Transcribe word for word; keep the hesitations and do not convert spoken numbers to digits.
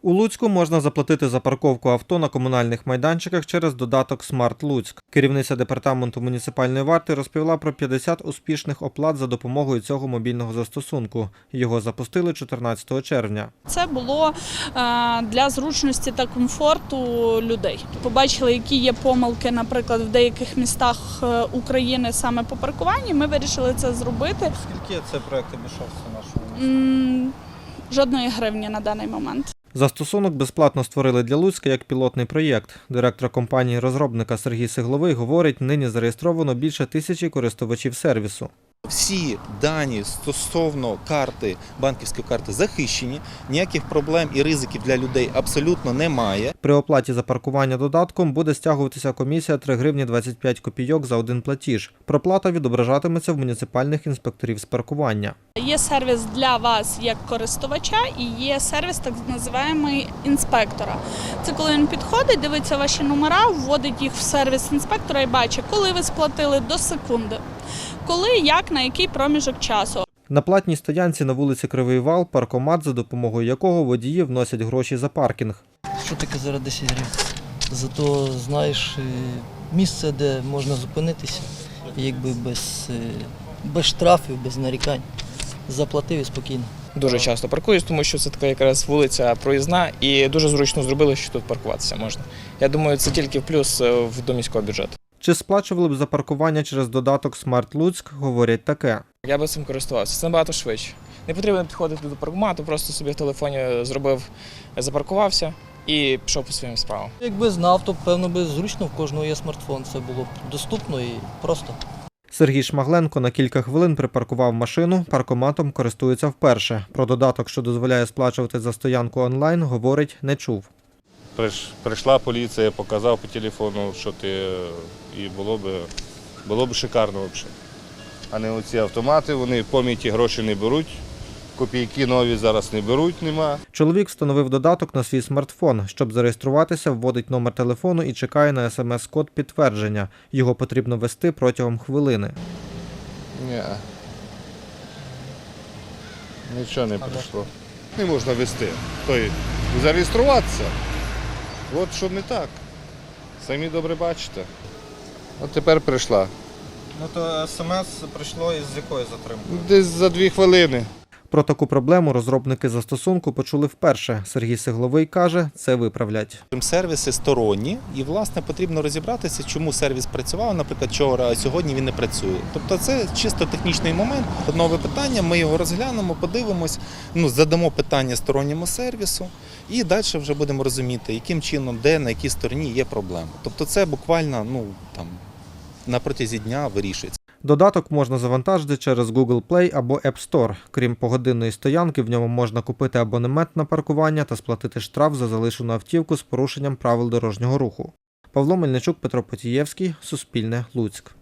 У Луцьку можна заплатити за парковку авто на комунальних майданчиках через додаток «Смарт Луцьк». Керівниця департаменту муніципальної варти розповіла про п'ятдесят успішних оплат за допомогою цього мобільного застосунку. Його запустили чотирнадцятого червня. Це було для зручності та комфорту людей. Побачили, які є помилки, наприклад, в деяких містах України саме по паркуванні. Ми вирішили це зробити. Скільки це проєкт обійшовся нашому? Жодної гривні на даний момент. Застосунок безплатно створили для Луцька як пілотний проєкт. Директор компанії-розробника Сергій Сигловий говорить, нині зареєстровано більше тисячі користувачів сервісу. Всі дані стосовно карти, банківської карти захищені, ніяких проблем і ризиків для людей абсолютно немає. При оплаті за паркування додатком буде стягуватися комісія три гривні двадцять п'ять копійок за один платіж. Проплата відображатиметься в муніципальних інспекторів з паркування. Є сервіс для вас як користувача і є сервіс так називаємий інспектора. Це коли він підходить, дивиться ваші номера, вводить їх в сервіс інспектора і бачить, коли ви сплатили до секунди. Коли, як, на який проміжок часу. На платній стоянці на вулиці Кривий Вал паркомат, за допомогою якого водії вносять гроші за паркінг. Що таке зараз десять гривень? Зато знаєш місце, де можна зупинитися, якби без, без штрафів, без нарікань. Заплатив і спокійно. Дуже часто паркуюсь, тому що це така якраз вулиця проїзна і дуже зручно зробили, що тут паркуватися можна. Я думаю, це тільки в плюс до міського бюджету. Чи сплачували б за паркування через додаток «Смарт Луцьк», говорять таке. Я би цим користувався, це набагато швидше. Не потрібно підходити до паркомату, просто собі в телефоні зробив, запаркувався і пішов по своїм справам. Якби знав, то певно би зручно, в кожного є смартфон, це було б доступно і просто. Сергій Шмагленко на кілька хвилин припаркував машину, паркоматом користується вперше. Про додаток, що дозволяє сплачувати за стоянку онлайн, говорить, не чув. Прийшла поліція, показав по телефону, що ти, і було б, було б шикарно взагалі. А не оці автомати, вони пам'яті гроші не беруть, копійки нові зараз не беруть, нема. Чоловік встановив додаток на свій смартфон. Щоб зареєструватися, вводить номер телефону і чекає на смс-код підтвердження. Його потрібно ввести протягом хвилини. Ні. Нічого не прийшло. Не можна вести, тобто зареєструватися. От що не так. Самі добре бачите. От тепер прийшла. Ну то смс прийшло із якою затримкою? Десь за дві хвилини. Про таку проблему розробники застосунку почули вперше. Сергій Сигловий каже, це виправлять. Сервіси сторонні і, власне, потрібно розібратися, чому сервіс працював, наприклад, вчора, а сьогодні він не працює. Тобто це чисто технічний момент. Нове питання, ми його розглянемо, подивимось, ну, задамо питання сторонньому сервісу і далі вже будемо розуміти, яким чином, де, на якій стороні є проблема. Тобто це буквально, ну, там, на протязі дня вирішується. Додаток можна завантажити через Google Play або App Store. Крім погодинної стоянки, в ньому можна купити абонемент на паркування та сплатити штраф за залишену автівку з порушенням правил дорожнього руху. Павло Мельничук, Петро Потієвський, Суспільне, Луцьк.